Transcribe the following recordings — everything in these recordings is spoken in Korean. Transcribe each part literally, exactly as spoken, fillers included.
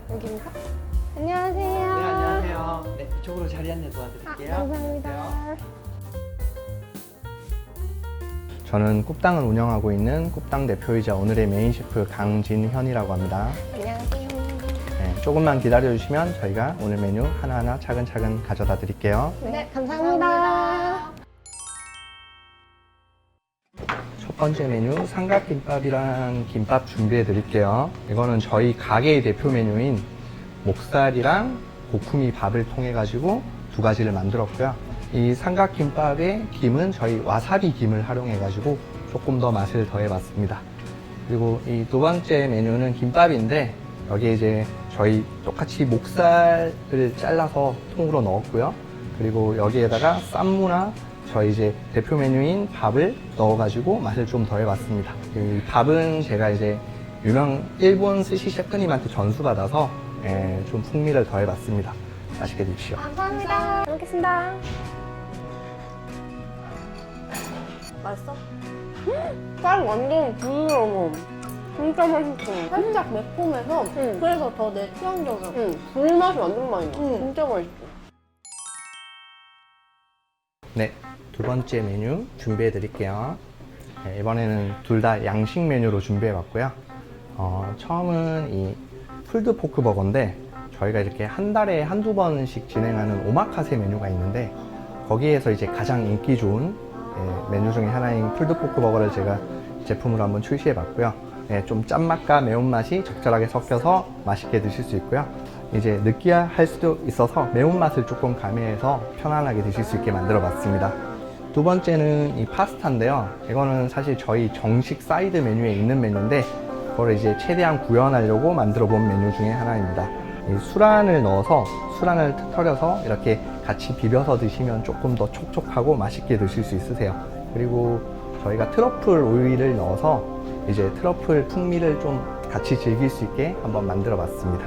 여기인가? 안녕하세요. 네, 안녕하세요. 네, 이쪽으로 자리 안내 도와드릴게요. 아, 감사합니다. 저는 꿉당을 운영하고 있는 꿉당 대표이자 오늘의 메인 셰프 강진현이라고 합니다. 안녕하세요. 네, 조금만 기다려주시면 저희가 오늘 메뉴 하나하나 차근차근 가져다 드릴게요. 네, 감사합니다. 첫 번째 메뉴 삼각김밥이랑 김밥 준비해 드릴게요. 이거는 저희 가게의 대표 메뉴인 목살이랑 고쿠미 밥을 통해 가지고 두 가지를 만들었고요. 이 삼각김밥의 김은 저희 와사비 김을 활용해 가지고 조금 더 맛을 더해 봤습니다. 그리고 이 두 번째 메뉴는 김밥인데 여기에 이제 저희 똑같이 목살을 잘라서 통으로 넣었고요. 그리고 여기에다가 쌈무나 저희 이제 대표 메뉴인 밥을 넣어가지고 맛을 좀 더해봤습니다. 이 밥은 제가 이제 유명 일본 스시 셰프님한테 전수받아서 예, 좀 풍미를 더해봤습니다. 맛있게 드십시오. 감사합니다. 잘 먹겠습니다. 맛있어? 쌀 완전 부드러워. 진짜 맛있어. 살짝 매콤해서 응. 그래서 더 내 취향적이야. 응, 불맛이 완전 많이 나. 응. 진짜 맛있어. 네, 두 번째 메뉴 준비해 드릴게요. 네, 이번에는 둘 다 양식 메뉴로 준비해 봤고요. 어, 처음은 이 풀드 포크 버거인데 저희가 이렇게 한 달에 한두 번씩 진행하는 오마카세 메뉴가 있는데 거기에서 이제 가장 인기 좋은 예, 메뉴 중에 하나인 풀드 포크 버거를 제가 제품으로 한번 출시해 봤고요. 예, 좀 짠맛과 매운맛이 적절하게 섞여서 맛있게 드실 수 있고요. 이제 느끼할 수도 있어서 매운맛을 조금 가미해서 편안하게 드실 수 있게 만들어 봤습니다. 두 번째는 이 파스타인데요. 이거는 사실 저희 정식 사이드 메뉴에 있는 메뉴인데 그걸 이제 최대한 구현하려고 만들어 본 메뉴 중에 하나입니다. 이 수란을 넣어서 수란을 터려서 이렇게 같이 비벼서 드시면 조금 더 촉촉하고 맛있게 드실 수 있으세요. 그리고 저희가 트러플 오일을 넣어서 이제 트러플 풍미를 좀 같이 즐길 수 있게 한번 만들어 봤습니다.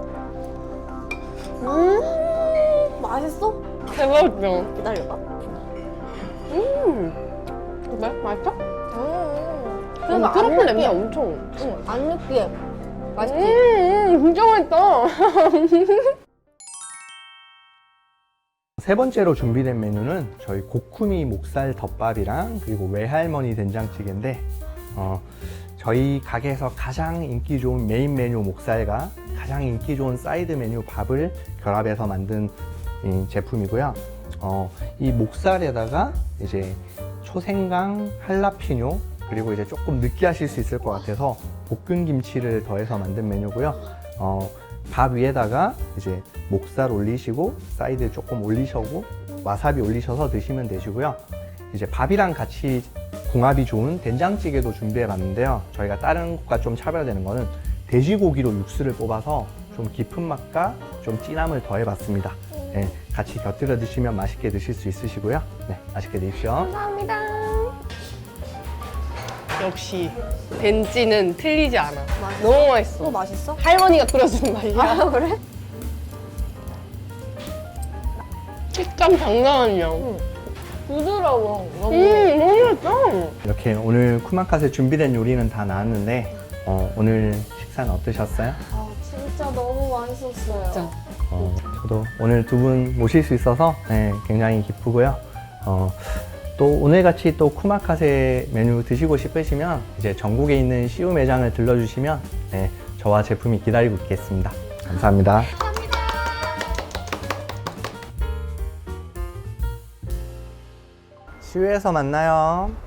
음, 맛있어? 대박이죠? 기다려봐. 음. 그래? 맛있어? 음. 그래서 트러플 냄새 엄청. 응, 안 느끼해. 맛있지? 음, 진짜 맛있다. 세 번째로 준비된 메뉴는 저희 고쿠미 목살 덮밥이랑 그리고 외할머니 된장찌개인데 어, 저희 가게에서 가장 인기 좋은 메인 메뉴 목살과 가장 인기 좋은 사이드 메뉴 밥을 결합해서 만든 이 제품이고요. 어, 이 목살에다가 이제 초생강, 할라피뇨 그리고 이제 조금 느끼하실 수 있을 것 같아서 볶은 김치를 더해서 만든 메뉴고요. 어, 밥 위에다가 이제 목살 올리시고 사이드 조금 올리셔고 와사비 올리셔서 드시면 되시고요. 이제 밥이랑 같이 궁합이 좋은 된장찌개도 준비해 봤는데요. 저희가 다른 곳과 좀 차별되는 거는 돼지고기로 육수를 뽑아서 좀 깊은 맛과 좀 진함을 더해 봤습니다. 네, 같이 곁들여 드시면 맛있게 드실 수 있으시고요. 네, 맛있게 드십시오. 감사합니다. 역시 벤찌는 틀리지 않아. 너무 맛있어. 또 맛있어? 할머니가 끓여주는 맛이야. 아, 그래? 식감 장난 아니야. 음, 부드러워. 너무. 너무 맛있어. 이렇게 오늘 쿠마카세 준비된 요리는 다 나왔는데 어, 오늘 식사는 어떠셨어요? 아, 진짜 너무 맛있었어요. 진짜. 어, 저도 오늘 두 분 모실 수 있어서 네, 굉장히 기쁘고요. 어, 또 오늘같이 또 쿠마카세 메뉴 드시고 싶으시면 이제 전국에 있는 씨유 매장을 들러주시면 네, 저와 제품이 기다리고 있겠습니다. 감사합니다. 씨유에서 만나요.